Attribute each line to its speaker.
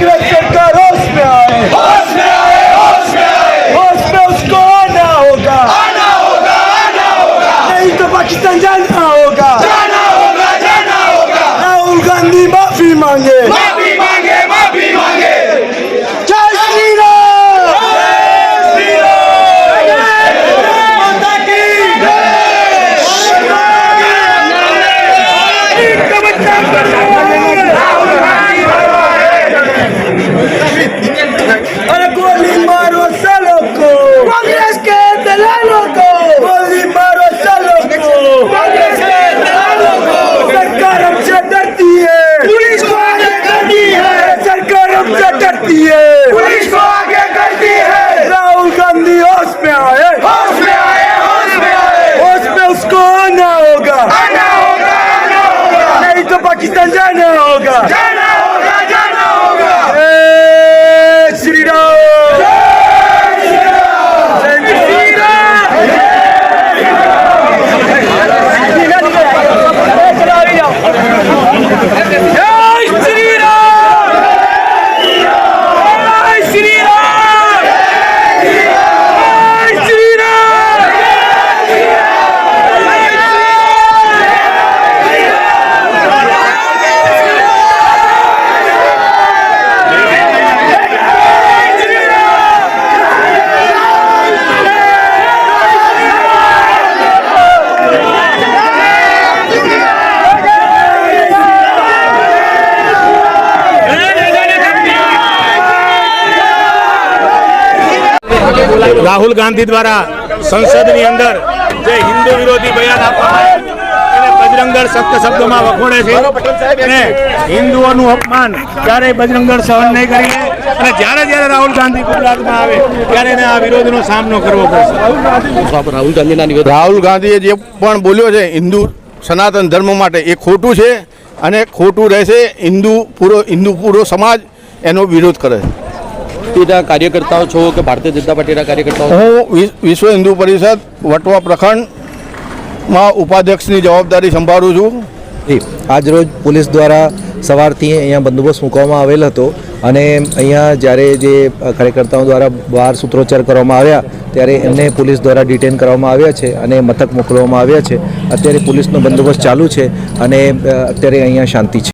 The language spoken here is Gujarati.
Speaker 1: कांग्रेस सरकार होश में आए,
Speaker 2: होश में आए, होश में आए।
Speaker 1: होश में उसको आना होगा,
Speaker 2: आना होगा, आना होगा।
Speaker 1: नहीं तो पाकिस्तान जाना होगा।
Speaker 2: जाना होगा, जाना होगा।
Speaker 1: राहुल गांधी माफी मांगे,
Speaker 2: माफी मांगे, माफी मांगे।
Speaker 1: जय श्री राम।
Speaker 2: माता की जय।
Speaker 1: अरे गोली मारो सालों को, कांग्रेस के दलालों को, गोली मारो सालों को,
Speaker 2: कांग्रेस के दलालों को।
Speaker 1: सरकार हमसे डरती है,
Speaker 2: पुलिस को आगे करती है,
Speaker 1: सरकार हमसे डरती है।
Speaker 2: पुलिस को आगे करती है।
Speaker 1: राहुल गांधी होश में आए,
Speaker 2: होश में आए, होश में आए।
Speaker 1: होश में उसको आना होगा,
Speaker 2: आना होगा, आना होगा।
Speaker 1: नहीं तो पाकिस्तान जाना होगा।
Speaker 2: जाना होगा, जाना होगा।
Speaker 1: जय श्री राम। जय श्री राम। जय श्री राम। जय श्री राम। जय श्री राम।
Speaker 3: રાહુલ ગાંધી દ્વારા સંસદની અંદર જે હિન્દુ વિરોધી બયાન આપવામાં એને બજરંગદળ સખ્ત શબ્દોમાં વખોડે છે અને હિન્દુઓનું અપમાન ક્યારેય બજરંગદળ સહન નહીં કરી અને જ્યારે રાહુલ ગાંધી ગુજરાતમાં આવે ત્યારે એને આ વિરોધનો સામનો કરવો પડશે.
Speaker 4: રાહુલ ગાંધીએ જે પણ બોલ્યો છે હિન્દુ સનાતન ધર્મ માટે એ ખોટું છે અને ખોટું રહેશે. હિન્દુ પૂરો સમાજ એનો વિરોધ કરે છે.
Speaker 5: પાર્ટીના કાર્યકર્તાઓ છો કે ભારતીય જનતા પાર્ટીના કાર્યકર્તાઓ?
Speaker 4: હું વિશ્વ હિન્દુ પરિષદ વટવા પ્રખંડમાં ઉપાધ્યક્ષની જવાબદારી સંભાળું છું.
Speaker 6: આજરોજ પોલીસ દ્વારા સવારથી અહીંયા બંદોબસ્ત મૂકવામાં આવેલ હતો અને અહીંયા જ્યારે જે કાર્યકર્તાઓ દ્વારા બહાર સૂત્રોચ્ચાર કરવામાં આવ્યા ત્યારે એમને પોલીસ દ્વારા ડિટેન કરવામાં આવ્યા છે અને મથક મોકલવામાં આવ્યા છે. અત્યારે પોલીસનો બંદોબસ્ત ચાલુ છે અને અત્યારે અહીંયા શાંતિ છે.